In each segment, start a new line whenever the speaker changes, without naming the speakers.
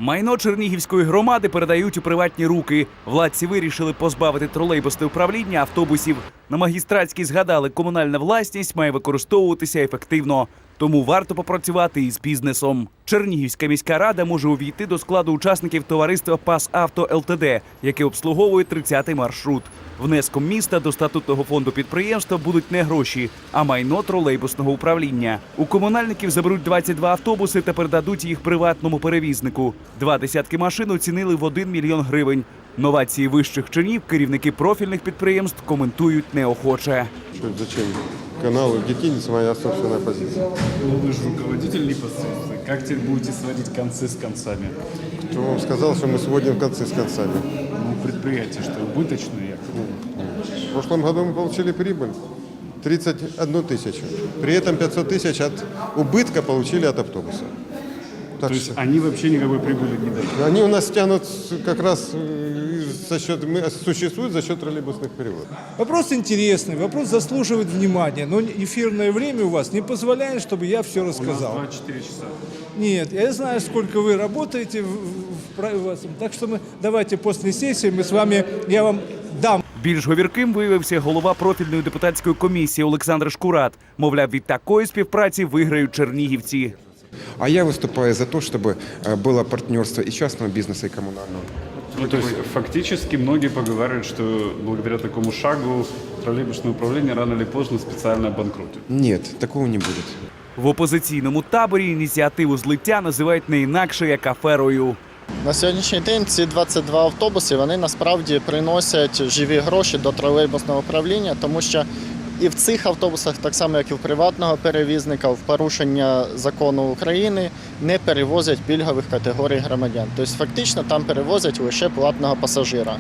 Майно Чернігівської громади передають у приватні руки. Владці вирішили позбавити тролейбусне управління автобусів. На Магістратській згадали, комунальна власність має використовуватися ефективно. Тому варто попрацювати із бізнесом. Чернігівська міська рада може увійти до складу учасників товариства «Пасавто ЛТД», яке обслуговує 30-й маршрут. Внеском міста до статутного фонду підприємства будуть не гроші, а майно тролейбусного управління. У комунальників заберуть 22 автобуси та передадуть їх приватному перевізнику. 2 десятки машин оцінили в 1 мільйон гривень. Новації вищих чинів керівники профільних підприємств коментують неохоче.
Зачем канал легитимится моя собственная позиция?
Ну вы же руководитель непосредственно. Как теперь будете сводить концы с концами?
Кто вам сказал, что мы сводим концы с концами?
Ну, предприятие что, убыточное?
В прошлом году мы получили прибыль 31 тысячу. При этом 500 тысяч от убытка получили от автобуса. Так
То есть
что
они вообще никакой прибыли не дают?
они у нас тянут как раз за счет, существуют за счет троллейбусных переводов.
Вопрос интересный, вопрос заслуживает внимания, но эфирное время у вас не позволяет, чтобы я все
У нас
рассказал.
24 часа.
Нет, я знаю, сколько вы работаете так что давайте после сессии мы с вами, я вам дам.
Більш говірким виявився голова профільної депутатської комісії Олександр Шкурат. Мовляв, від такої співпраці виграють чернігівці.
А я выступаю за то, чтобы было партнерство и частного бизнеса, и коммунального.
Ну, то есть фактически многие поговаривают, что благодаря такому шагу троллейбусное управление рано или поздно специально обанкротит.
Нет, такого не будет.
В опозиційному таборі ініціативу злиття називають не інакше, як аферою.
На сьогоднішній день ці 22 автобуси, вони насправді приносять живі гроші до тролейбусного управління, тому що і в цих автобусах, так само як і в приватного перевізника, в порушення закону України не перевозять пільгових категорій громадян. Тобто фактично там перевозять лише платного пасажира.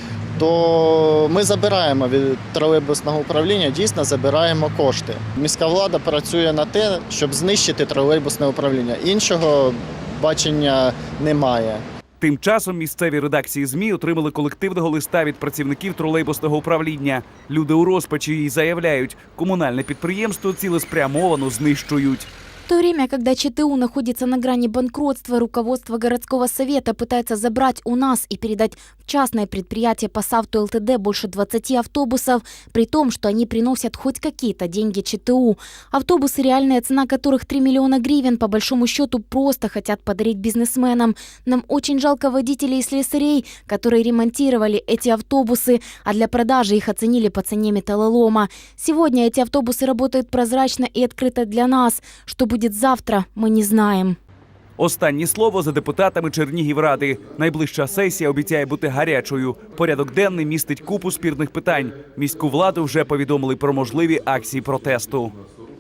То ми забираємо від тролейбусного управління, дійсно забираємо кошти. Міська влада працює на те, щоб знищити тролейбусне управління. Іншого бачення немає.
Тим часом місцеві редакції ЗМІ отримали колективного листа від працівників тролейбусного управління. Люди у розпачі і заявляють, комунальне підприємство цілеспрямовано знищують.
В то время, когда ЧТУ находится на грани банкротства, руководство городского совета пытается забрать у нас и передать в частное предприятие «Пасавто ЛТД» больше 20 автобусов, при том, что они приносят хоть какие-то деньги ЧТУ. Автобусы, реальная цена которых 3 миллиона гривен, по большому счету просто хотят подарить бизнесменам. Нам очень жалко водителей и слесарей, которые ремонтировали эти автобусы, а для продажи их оценили по цене металлолома. Сегодня эти автобусы работают прозрачно и открыто для нас. Что будет завтра, мы не знаем.
Останнє слово за депутатами Чернігівради. Найближча сесія обіцяє бути гарячою. Порядок денний містить купу спірних питань. Міську владу вже повідомили про можливі акції протесту.